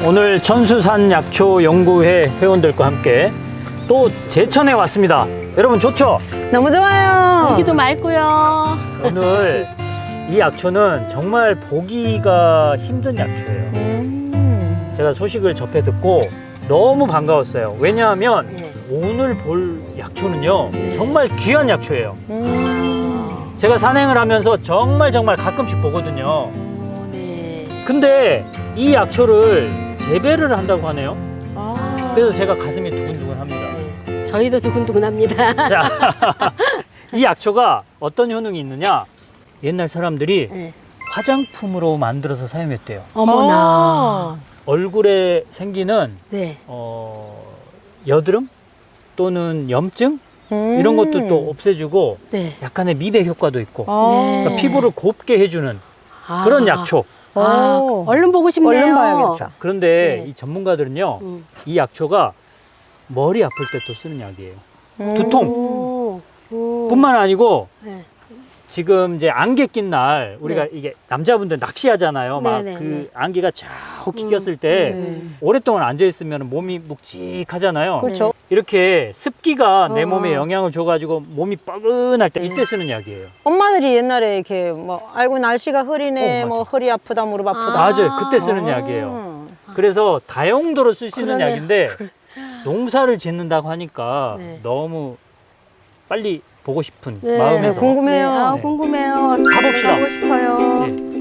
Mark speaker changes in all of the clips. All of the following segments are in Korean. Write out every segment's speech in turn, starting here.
Speaker 1: 오늘 천수산 약초 연구회 회원들과 함께 또 제천에 왔습니다. 여러분 좋죠?
Speaker 2: 너무 좋아요.
Speaker 3: 여기도 맑고요.
Speaker 1: 오늘 이 약초는 정말 보기가 힘든 약초예요. 제가 소식을 접해 듣고 너무 반가웠어요. 왜냐하면
Speaker 3: 네.
Speaker 1: 오늘 볼 약초는요 정말 귀한 약초예요.
Speaker 2: 음.
Speaker 1: 제가 산행을 하면서 정말 가끔씩 보거든요.
Speaker 3: 네.
Speaker 1: 근데 이 약초를 재배를 한다고 하네요.
Speaker 2: 아.
Speaker 1: 그래서 제가 가슴이 두근두근합니다.
Speaker 3: 네. 저희도 두근두근합니다.
Speaker 1: 자, 이 약초가 어떤 효능이 있느냐? 옛날 사람들이
Speaker 3: 네.
Speaker 1: 화장품으로 만들어서 사용했대요.
Speaker 3: 어머나.
Speaker 1: 얼굴에 생기는
Speaker 3: 네.
Speaker 1: 여드름 또는 염증 이런 것도 또 없애주고
Speaker 3: 네.
Speaker 1: 약간의 미백 효과도 있고
Speaker 3: 네.
Speaker 1: 그러니까 피부를 곱게 해주는
Speaker 3: 아.
Speaker 1: 그런 약초.
Speaker 3: 아,
Speaker 2: 오.
Speaker 3: 얼른 보고 싶네요.
Speaker 2: 얼른 봐야겠죠.
Speaker 1: 그런데
Speaker 3: 네.
Speaker 1: 이 전문가들은요,
Speaker 3: 음.
Speaker 1: 이 약초가 머리 아플 때 또 쓰는 약이에요. 두통.
Speaker 3: 오. 오.
Speaker 1: 뿐만 아니고
Speaker 3: 네.
Speaker 1: 지금 이제 안개 낀 날 우리가
Speaker 3: 네.
Speaker 1: 이게 남자분들 낚시하잖아요. 막
Speaker 3: 네, 네,
Speaker 1: 그
Speaker 3: 네.
Speaker 1: 안개가 쫙 꼈을 때
Speaker 2: 네.
Speaker 1: 오랫동안 앉아 있으면 몸이 묵직하잖아요.
Speaker 2: 그렇죠.
Speaker 1: 이렇게 습기가 내
Speaker 3: 어.
Speaker 1: 몸에 영향을 줘가지고 몸이 뻐근할 때
Speaker 3: 네.
Speaker 1: 이때 쓰는 약이에요.
Speaker 2: 엄마들이 옛날에 이렇게 뭐 아이고 날씨가 흐리네,
Speaker 1: 맞아.
Speaker 2: 뭐 허리 아프다, 무릎 아프다.
Speaker 1: 맞아요. 그때 쓰는
Speaker 2: 아.
Speaker 1: 약이에요. 그래서 다용도로 쓸 수 있는
Speaker 3: 그러네.
Speaker 1: 약인데 농사를 짓는다고 하니까
Speaker 3: 네.
Speaker 1: 너무 빨리 보고 싶은
Speaker 3: 네.
Speaker 1: 마음에서
Speaker 2: 네, 궁금해요.
Speaker 3: 네. 아,
Speaker 1: 네.
Speaker 3: 궁금해요.
Speaker 1: 가봅시다.
Speaker 3: 가고 싶어요.
Speaker 1: 예.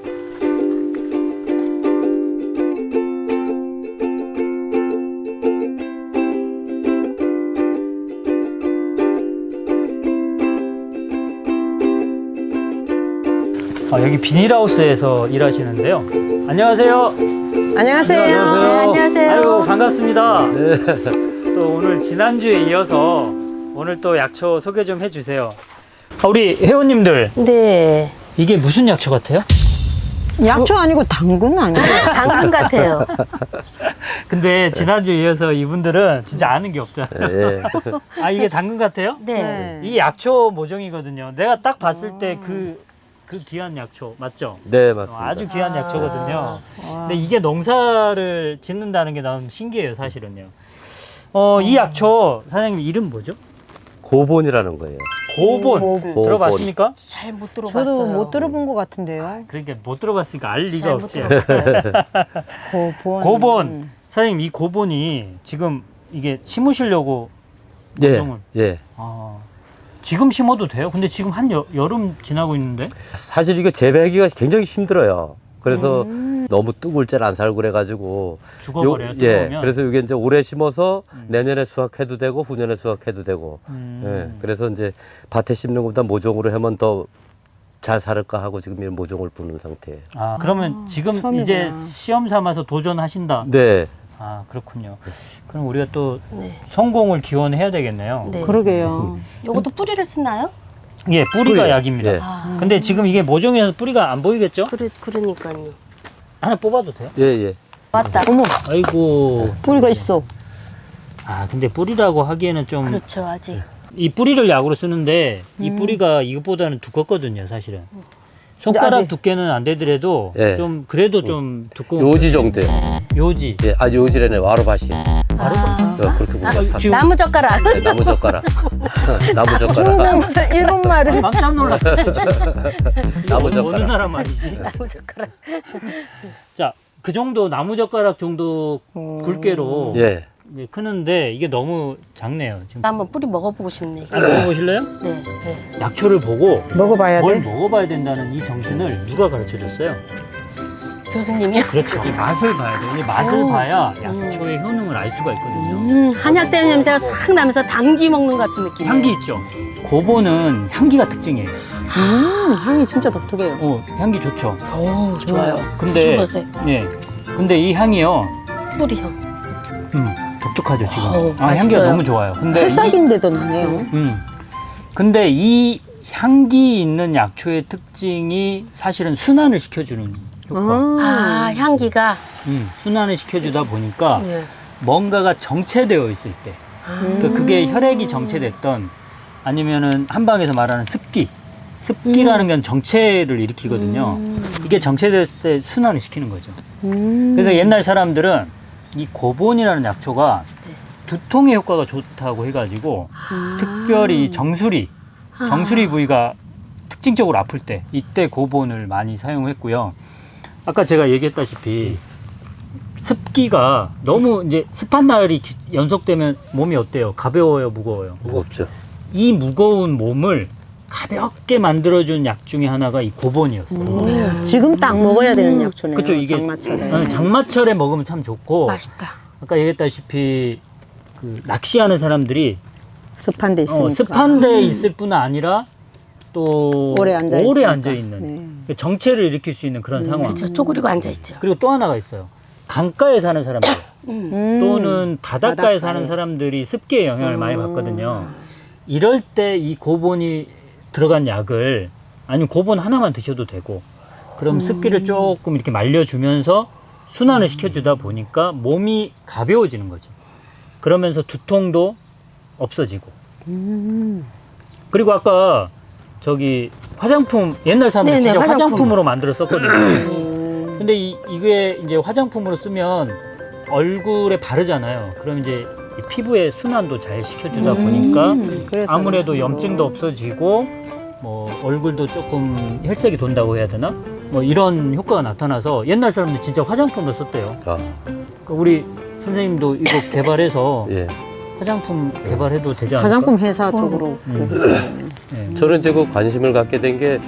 Speaker 1: 여기 비닐하우스에서 일하시는데요. 안녕하세요.
Speaker 2: 안녕하세요.
Speaker 3: 네, 안녕하세요.
Speaker 1: 아이고 반갑습니다. 또 오늘 지난주에 이어서 오늘 또 약초 소개 좀 해주세요. 우리 회원님들
Speaker 3: 네.
Speaker 1: 이게 무슨 약초 같아요?
Speaker 2: 약초 아니고 당근 아니에요?
Speaker 3: 당근 같아요.
Speaker 1: 근데 지난주에 이어서 이분들은 진짜 아는 게 없잖아요.
Speaker 4: 예.
Speaker 1: 아 이게 당근 같아요?
Speaker 3: 네.
Speaker 1: 이 약초 모종이거든요. 내가 딱 봤을 때 그 귀한 약초 맞죠?
Speaker 4: 네, 맞습니다.
Speaker 1: 아주 귀한 약초거든요.
Speaker 2: 와.
Speaker 1: 근데 이게 농사를 짓는다는 게 너무 신기해요, 사실은요. 이 약초 사장님 이름 뭐죠?
Speaker 4: 고본이라는 거예요.
Speaker 1: 고본.
Speaker 4: 고본.
Speaker 1: 들어봤습니까?
Speaker 3: 잘 못 들어봤어요.
Speaker 2: 저도 못 들어본 것 같은데요.
Speaker 1: 그러니까 못 들어봤으니까 알 리가
Speaker 3: 잘못
Speaker 1: 없지.
Speaker 3: 들어봤어요.
Speaker 2: 고본.
Speaker 1: 고본. 사장님 이 고본이 지금 이게 심으시려고
Speaker 4: 예,
Speaker 1: 모종을.
Speaker 4: 예.
Speaker 1: 지금 심어도 돼요? 근데 지금 한 여름 지나고 있는데?
Speaker 4: 사실 이거 재배하기가 굉장히 힘들어요. 그래서 너무 뚝을질 안 살고 그래가지고
Speaker 1: 죽어버려요,
Speaker 4: 예.
Speaker 1: 뜨거우면?
Speaker 4: 그래서 이게 이제 올해 심어서 내년에 수확해도 되고 후년에 수확해도 되고. 예. 그래서 이제 밭에 심는 것보다 모종으로 하면 더 잘 살을까 하고 지금 이 모종을 부는 상태예요.
Speaker 1: 그러면 지금
Speaker 2: 처음이구나.
Speaker 1: 이제 시험 삼아서 도전하신다?
Speaker 4: 네.
Speaker 1: 그렇군요. 그럼 우리가 또
Speaker 3: 네.
Speaker 1: 성공을 기원해야 되겠네요.
Speaker 3: 네.
Speaker 2: 그러게요.
Speaker 3: 요것도 뿌리를 쓰나요?
Speaker 1: 예, 뿌리가
Speaker 4: 뿌리.
Speaker 1: 약입니다.
Speaker 4: 예.
Speaker 3: 아.
Speaker 1: 근데 지금 이게 모종이라서 뿌리가 안 보이겠죠?
Speaker 3: 그러니까요.
Speaker 1: 하나 뽑아도 돼요?
Speaker 4: 예, 예.
Speaker 3: 맞다.
Speaker 2: 어머,
Speaker 1: 아이고.
Speaker 2: 뿌리가 있어.
Speaker 1: 근데 뿌리라고 하기에는 좀 이
Speaker 3: 그렇죠, 아직.
Speaker 1: 뿌리를 약으로 쓰는데 이 뿌리가 이것보다는 두껍거든요, 사실은. 손가락
Speaker 2: 아직-
Speaker 1: 두께는 안 되더라도
Speaker 4: 예.
Speaker 1: 좀 그래도 좀 두꺼운
Speaker 4: 요지 정도예요.
Speaker 1: 요지.
Speaker 4: 예, 아주 요지래네. 와로밭이. 그렇게 보면
Speaker 1: 지금
Speaker 3: 나무 젓가락.
Speaker 4: 네, 나무 젓가락. 나무 젓가락.
Speaker 2: 일본 말을.
Speaker 1: 깜짝 놀랐어요.
Speaker 4: 나무
Speaker 1: 어느
Speaker 4: 젓가락.
Speaker 1: 나라 말이지?
Speaker 3: 나무 젓가락.
Speaker 1: 자, 그 정도 나무젓가락 정도 굵게로
Speaker 4: 예.
Speaker 1: 이제 크는데 이게 너무 작네요. 지금
Speaker 3: 한번 뿌리 먹어보고 싶네.
Speaker 1: 먹어보실래요?
Speaker 3: 네. 네.
Speaker 1: 약초를 보고
Speaker 2: 먹어봐야
Speaker 1: 뭘
Speaker 2: 돼.
Speaker 1: 먹어봐야 된다는 이 정신을 누가 가르쳐줬어요?
Speaker 3: 교수님이요?
Speaker 1: 그렇죠. 이 맛을 봐야 돼요. 이 맛을 봐야 약초의 효능을 알 수가 있거든요.
Speaker 3: 한약되는 냄새가 싹 나면서 당귀 먹는 것 같은 느낌이에요.
Speaker 1: 향기 있죠? 고보는 향기가 특징이에요.
Speaker 2: 향이 진짜 독특해요.
Speaker 1: 향기 좋죠?
Speaker 3: 오, 좋아요.
Speaker 1: 근데
Speaker 3: 드셔보세요.
Speaker 1: 예, 근데 이 향이요,
Speaker 3: 뿌리향.
Speaker 1: 독특하죠 지금.
Speaker 3: 어우,
Speaker 1: 향기가
Speaker 3: 맛있어요.
Speaker 1: 너무 좋아요. 근데
Speaker 2: 새싹인데도 나네요.
Speaker 1: 근데 이 향기 있는 약초의 특징이 사실은 순환을 시켜주는 효과.
Speaker 3: 향기가.
Speaker 1: 순환을 시켜주다 보니까
Speaker 3: 네.
Speaker 1: 뭔가가 정체되어 있을 때, 그러니까 그게 혈액이 정체됐던 아니면은 한방에서 말하는 습기라는 건 정체를 일으키거든요. 이게 정체됐을 때 순환을 시키는 거죠. 그래서 옛날 사람들은 이 고본이라는 약초가 두통의 효과가 좋다고 해가지고 특별히 정수리 부위가 특징적으로 아플 때 이때 고본을 많이 사용했고요. 아까 제가 얘기했다시피 습기가 너무 이제 습한 날이 연속되면 몸이 어때요? 가벼워요, 무거워요?
Speaker 4: 무겁죠.
Speaker 1: 이 무거운 몸을 가볍게 만들어준 약 중에 하나가 이 고본이었어요.
Speaker 2: 지금 딱 먹어야 되는 약초네요.
Speaker 1: 그쵸, 이게
Speaker 2: 장마철에.
Speaker 1: 장마철에 먹으면 참 좋고
Speaker 3: 맛있다.
Speaker 1: 아까 얘기했다시피 그 낚시하는 사람들이
Speaker 2: 습한 데 있으니까.
Speaker 1: 습한 데 있을 뿐 아니라 또
Speaker 2: 오래 앉아
Speaker 1: 오래
Speaker 2: 있으니까.
Speaker 1: 앉아 있는
Speaker 2: 네.
Speaker 1: 정체를 일으킬 수 있는 그런 상황.
Speaker 3: 그렇죠. 쪼그리고 앉아있죠.
Speaker 1: 그리고 또 하나가 있어요. 강가에 사는 사람들 또는 바닷가에
Speaker 2: 바닷가에.
Speaker 1: 사는 사람들이 습기의 영향을 많이 받거든요. 이럴 때 이 고본이 들어간 약을 아니면 고본 하나만 드셔도 되고 그럼 습기를 조금 이렇게 말려주면서 순환을 시켜주다 보니까 몸이 가벼워지는 거죠. 그러면서 두통도 없어지고. 그리고 아까 저기 화장품 옛날 사람들
Speaker 3: 네네,
Speaker 1: 진짜
Speaker 3: 화장품.
Speaker 1: 화장품으로 만들어 썼거든요. 근데 이게 이제 화장품으로 쓰면 얼굴에 바르잖아요. 그럼 이제 이 피부의 순환도 잘 시켜주다 보니까
Speaker 2: 그래서
Speaker 1: 아무래도 염증도 없어지고 뭐 얼굴도 조금 혈색이 돈다고 해야 되나? 뭐 이런 효과가 나타나서 옛날 사람들 진짜 화장품으로 썼대요.
Speaker 4: 아,
Speaker 1: 그러니까 우리 선생님도 이거 개발해서
Speaker 4: 예.
Speaker 1: 화장품 개발해도 되지 않을까?
Speaker 2: 화장품 회사 쪽으로.
Speaker 1: 네.
Speaker 4: 저는 이제 그 관심을 갖게 된 게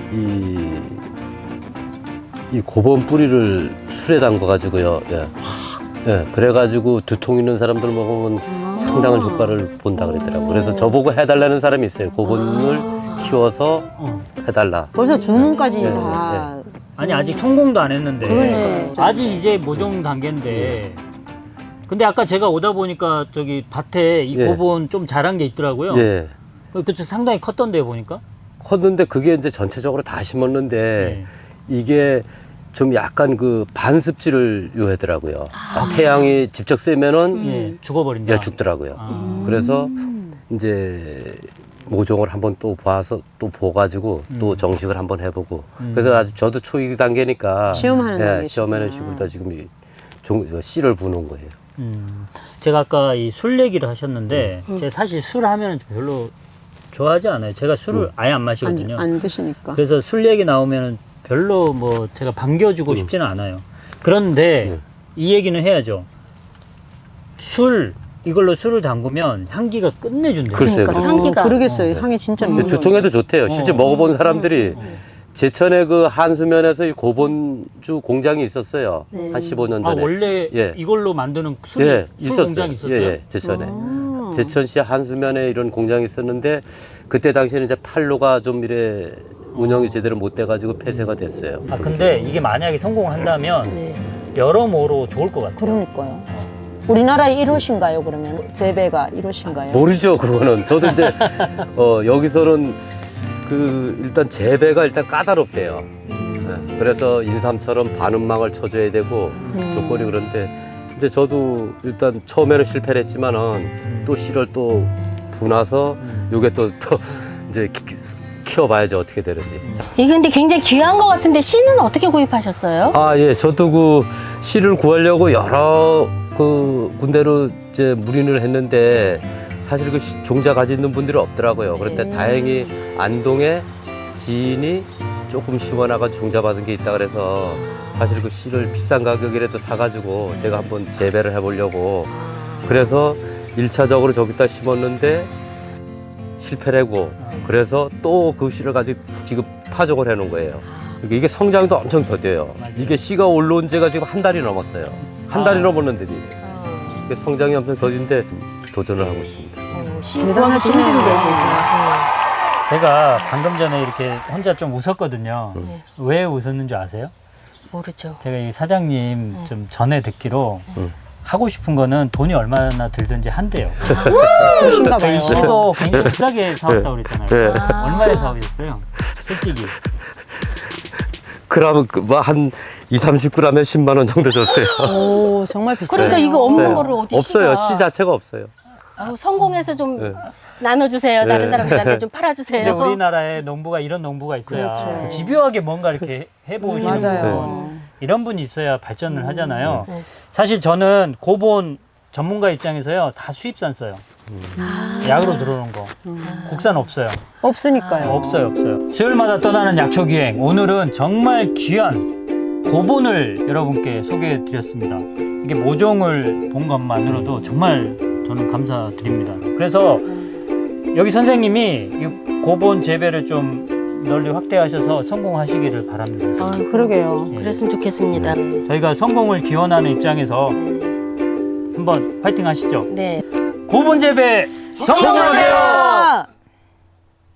Speaker 4: 이 고본 뿌리를 술에 담가 가지고요. 예. 예, 그래가지고 두통 있는 사람들 먹으면 상당한 효과를 본다 그러더라고. 그래서 저보고 해달라는 사람이 있어요. 고본을 키워서 해달라.
Speaker 2: 벌써 주문까지
Speaker 4: 네,
Speaker 2: 다.
Speaker 1: 아니 아직 성공도 안 했는데
Speaker 2: 그러니까요.
Speaker 1: 아직 이제 모종 단계인데 근데 아까 제가 오다 보니까 저기 밭에 이
Speaker 4: 예.
Speaker 1: 고본 좀 자란 게 있더라고요.
Speaker 4: 예.
Speaker 1: 그쪽 상당히 컸던데요 보니까.
Speaker 4: 컸는데 그게 이제 전체적으로 다 심었는데
Speaker 1: 네.
Speaker 4: 이게 좀 약간 그 반습지를 요하더라고요. 태양이 직접 쐬면은
Speaker 1: 예, 죽어버린다.
Speaker 4: 예, 죽더라고요. 그래서 이제 모종을 한번 또 봐서 또 보가지고 또 정식을 한번 해보고 그래서 아주 저도 초기 단계니까
Speaker 2: 시험하는 단계시구나.
Speaker 4: 시험하는 시기다 지금 씨를 부는 거예요.
Speaker 1: 제가 아까 이 술 얘기를 하셨는데 제가 사실 술 하면 별로 좋아하지 않아요. 제가 술을 아예 안 마시거든요.
Speaker 2: 안 드시니까.
Speaker 1: 그래서 술 얘기 나오면 별로 뭐 제가 반겨주고 싶지는 않아요. 그런데 이 얘기는 해야죠. 이걸로 술을 담그면 향기가 끝내준대요.
Speaker 4: 글쎄요.
Speaker 3: 그러니까 향기가.
Speaker 2: 그러겠어요. 향이 진짜
Speaker 4: 근데
Speaker 2: 너무
Speaker 4: 두통에도 좋대요. 실제 먹어본 사람들이 제천에 그 한수면에서 이 고본주 공장이 있었어요. 한 15년
Speaker 1: 아
Speaker 4: 전에.
Speaker 1: 원래
Speaker 4: 예.
Speaker 1: 이걸로 만드는
Speaker 4: 예,
Speaker 1: 술 공장이 있었어요.
Speaker 4: 예, 예, 제천에. 제천시 한수면에 이런 공장이 있었는데 그때 당시에는 이제 판로가 좀 이래 운영이 제대로 못 돼가지고 폐쇄가 됐어요.
Speaker 1: 아 근데 이게 만약에 성공을 한다면 여러모로 좋을 것 같아요.
Speaker 2: 그러니까요. 우리나라의 1호신가요, 그러면? 재배가 1호신가요?
Speaker 4: 모르죠, 그거는. 저도 이제 여기서는 그 일단 재배가 일단 까다롭대요. 네, 그래서 인삼처럼 반음막을 쳐줘야 되고 조건이 그런데 이제 저도 일단 처음에는 실패를 했지만은 또 씨를 또 부나서 요게 또 이제 키워봐야죠 어떻게 되는지.
Speaker 3: 이게 근데 굉장히 귀한 것 같은데 씨는 어떻게 구입하셨어요?
Speaker 4: 아, 예, 저도 그 씨를 구하려고 여러 그 군데로 이제 문의를 했는데 사실 그 종자 가지고 있는 분들이 없더라고요. 그런데 다행히 안동에 지인이 조금 시원하가 종자 받은 게 있다 그래서 사실 그 씨를 비싼 가격이라도 사가지고 제가 한번 재배를 해보려고 그래서 1차적으로 저기다 심었는데 실패를 하고 그래서 또 그 씨를 가지고 지금 파종을 해놓은 거예요. 그러니까 이게 성장도 엄청 더뎌요. 이게 씨가 올라온 지가 지금 한 달이 넘었어요. 한 달이 넘었는데 이게 성장이 엄청 더딘데 도전을 하고 있습니다.
Speaker 3: 씨 구하기 힘든데 진짜.
Speaker 1: 제가 방금 전에 이렇게 혼자 좀 웃었거든요. 왜 웃었는지 아세요?
Speaker 3: 모르죠.
Speaker 1: 제가 이 사장님 좀 전에 듣기로 하고 싶은 거는 돈이 얼마나 들든지 한대요.
Speaker 2: 그러신가 봐요.
Speaker 1: 이 씨도 굉장히 비싸게 사왔다고 그랬잖아요.
Speaker 4: 네.
Speaker 1: 얼마에 사오셨어요? 솔직히.
Speaker 4: 그러면 뭐한 20-30g에 10만 원 정도 줬어요.
Speaker 2: 오, 정말 비싸요.
Speaker 3: 그러니까 이거 없는
Speaker 4: 없어요.
Speaker 3: 거를 어디
Speaker 4: 없어요.
Speaker 3: 씨가.
Speaker 4: 씨 자체가 없어요.
Speaker 3: 아우, 성공해서 좀
Speaker 4: 네.
Speaker 3: 나눠주세요. 다른
Speaker 4: 네.
Speaker 3: 사람들한테 좀
Speaker 1: 근데
Speaker 3: 팔아주세요.
Speaker 1: 우리나라에 농부가 이런 농부가 있어야
Speaker 2: 그렇죠.
Speaker 1: 집요하게 뭔가 이렇게 해보시는
Speaker 2: 맞아요.
Speaker 1: 분. 이런 분이 있어야 발전을 하잖아요. 사실 저는 고본 전문가 입장에서요 다 수입산 써요. 약으로 들어오는 거 국산 없어요.
Speaker 2: 없으니까요.
Speaker 1: 없어요. 수요일마다 떠나는 약초 기행. 오늘은 정말 귀한 고본을 여러분께 소개해 드렸습니다. 이게 모종을 본 것만으로도 정말 저는 감사드립니다. 그래서 여기 선생님이 이 고본 재배를 좀 널리 확대하셔서 성공하시기를 바랍니다.
Speaker 3: 아,
Speaker 2: 그러게요.
Speaker 3: 그랬으면 좋겠습니다.
Speaker 1: 저희가 성공을 기원하는 입장에서 한번 파이팅 하시죠.
Speaker 3: 네.
Speaker 1: 고본 재배 성공하세요!